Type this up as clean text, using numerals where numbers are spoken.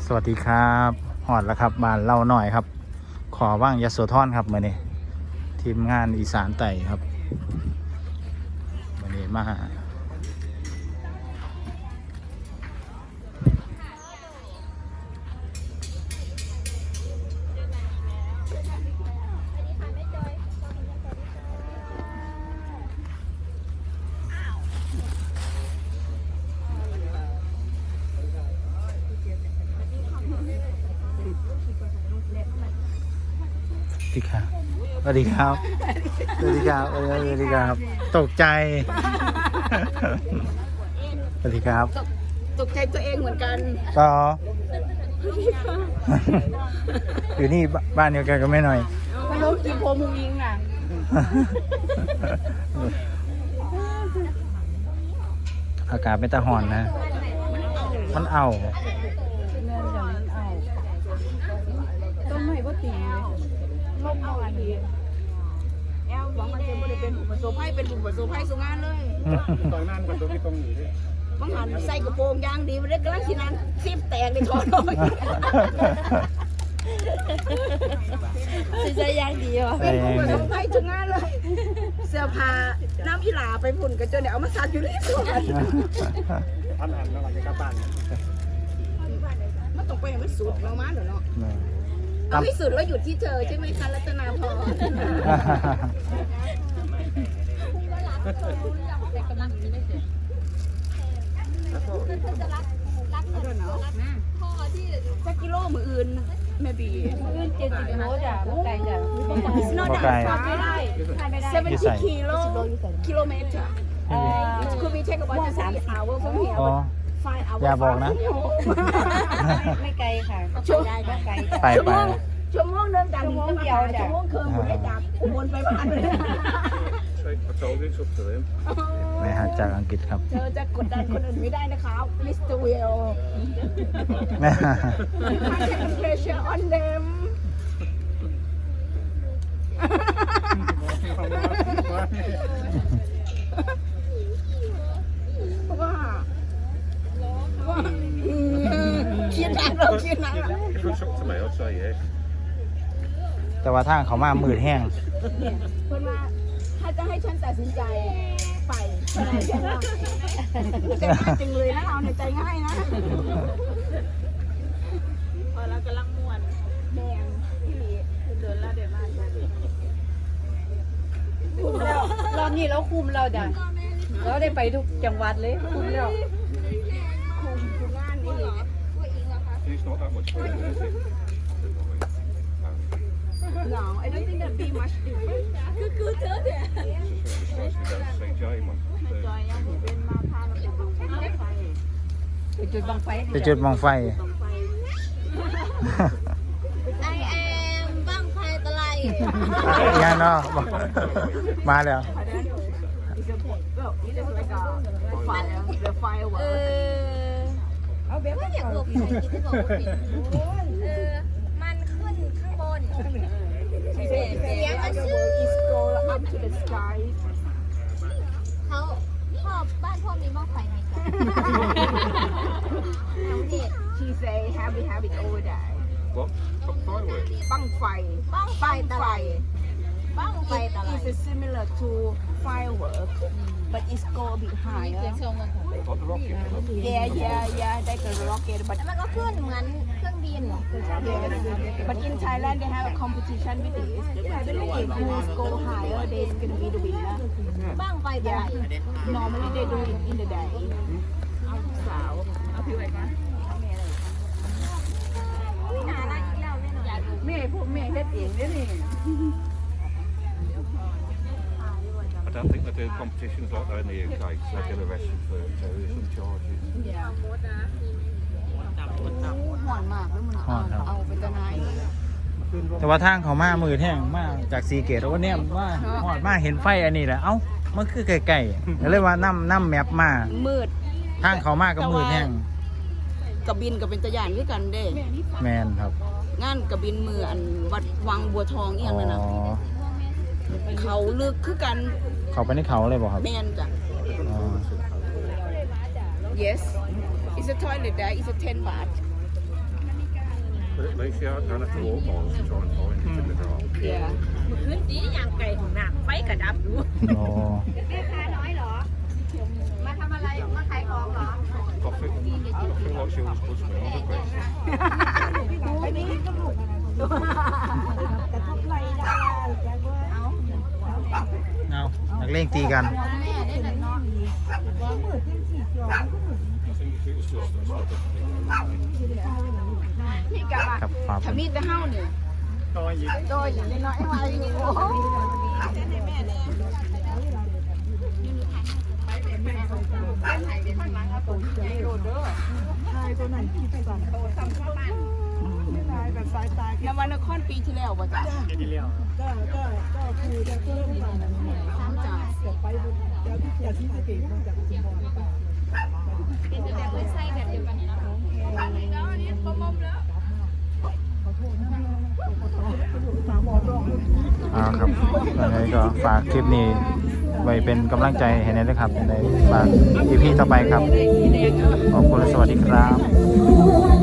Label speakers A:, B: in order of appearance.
A: สวัสดีครับหอดแล้วครับบ้านเล่าหน่อยครับขอว่างยโสธรครับมื่อนี้ทีมงานอีสานไต่ครับมื่อนี้มาสวัสดีครับสวัสดีครับสวัสดีครับตกใจสวัสดีครับ
B: ตกใจตัวเองเหมือนกัน
A: ต่ออยู่นี่บ้านเดียวกันก็ไม่หน่อย
B: ไม่รู้กี่โพมุงยิงอ่ะ
A: อากาศไม่ตะหอนนะมันเอา
B: ต้นไม้ก็ตีลมเอาอันนี้แอลหวังมันจะไม่ได้เป็นหุ่นผสมให้เป็นหุ่นผสมให้สุงานเลย
C: ตอนนั้นกับตัวที่ตรงอยู่ด้วย
B: บางหันใส่กระโปรงยางดีมันได้กระลังชินันซิบแตกในคอน้อยใส่ยางดีวะเป็นหุ่นผสมให้สุงานเลยเสื้อผ้าน้ำอีหลาไปฝุ่นกันจนเนี่ยเอามาซัดอยู่ที่สวน
C: พันแล้วมันจะกลับบ้าน
B: มันต้องไปให้มันสุดเรามาเหรอเนาะเอาให้สุดแล้วหยุดที่เธอใช่ไหมคะรัตนาพรสักกิโลมืออื่นแม่บีอื่น70 โลจ้ะบ่ไกลจ้ะ
A: บ่ไกล
B: 70 กิโลเมตรคือมีเทคกับว่าจะ3 hours from here
A: อย่าบอกนะ
B: ไม่ไกลค่ะ
A: ไป
B: ชั่วโมงเดินจากชั่วโมงเดียวชั่วโมงครึ่งไม่จากอุบลไปบ้านเลย
A: ไม่หาจากอังกฤษครับ
B: เธอจะกดดันคนอื่นไม่ได้นะคะมิสเตอร์วิล pressure on them ว่าคิดหนักเราคิดหนัก
A: แต่ว่าทางเขามามืดแห้ง
B: คนมาถ้าจะให้ฉันตัดสินใจไปใจง่ายจริงเลยนะเราในใจง่ายนะพอเรากำลังม่วนแดงที่หลีเดินแล้วเดี๋ยวมาคุมแล้วรอบนี้เราคุมเราจ้ะเราได้ไปทุกจังหวัดเลยคุมแล้วคุมทุกงานนี่No, I don't think that'd be much different. คือเธอเนี่ยจอยยังเป็นมาพาเราไปจุดบังไฟ
A: ไปจุดบังไฟ
D: I am บังไฟตะไล
A: งานเนาะมาแล้ว
D: เอาแบบว่าอยากหลบใส่ที่จะบอกว่าผิดมันขึ้นข้างบนเสียงมันชื่อเขาพ่อบ้านพ่อมีหม้อไฟไหมจ๊ะ
B: She say have it over there.
C: What? Fireworks?
B: บังไฟ
D: ตะไล
B: It's similar to firework, but it's go a bit higher.
C: Like the rocket?
B: Yeah, like a rocket. But
D: แล้วมันก็ขึ้นเหมือนเครื่องบิน
B: but in Thailand they have a competition with this. If who's go higher, they's gonna be the winner.
D: บังไฟตะไล
B: Normally they do it in the day. สาวเอาพี่ไว้ก่อนแม่พวกแม่เฮ็ดเองเนี่ยนี่
C: I don't think they do competitions like that in the UK, so they get arrested for terrorism charges.
B: ห่อนมากแล้วมันเอาไปจะไหน
A: แต่ว่าทางเขามามืดแห้งมาจากสีเกตวันนี้ว่าหอดมาเห็นไฟอันนี้แหละเอ้ามันคือไกลๆเลยว่าน้ำแมปมา
B: มืด
A: ทางเขามาก็มืดแห้ง
B: กระบินกับเป็นตะยานด้วยกันเด้
A: แมนครับ
B: งานกระบินมืออันวัดวังบัวทองเอียงนั่นนะเขาลึกคือกัน
A: เขาไปในเขาเลยบอกครับ
B: แมนจ้ะ Yes it's a toilet there it's a 10 baht
C: Lakeside, don't have to walk miles to try and find it in the dark.
B: ขึ้นดีอย่างไก่ของน้ำไฟกระดับดู
A: โอ้
D: แม่ค้าน้อยเหรอ มาทำอะไร มาขายของเหรอ
C: Coffee like she always puts me on the best.
A: เอานักเลงตีกัน
C: I think if it was just us, I definitely
B: พี่กับว่า
A: กับฟ้า
B: ถ้ามีแต่เฮาเนี่ยโดยอย่างน้อยๆว่าอยู่โอ้โหนวันนครปีที่แล้วบ่จ้ะปีที่แล้วก็คือจะเริ่มมาจ้ะเสียไปจากที่สะเกษมาจากชุมพรไป
D: เป็นแบบไม่ใช่แบบเดียวกันเนี่ยนะแล้วอันนี้ปมแล้ว
A: ครับยังไงก็ฝากคลิปนี้ไว้เป็นกำลังใจให้นายด้วยครับในฝาก EP ต่อไปครับ ขอบคุณและสวัสดีครับ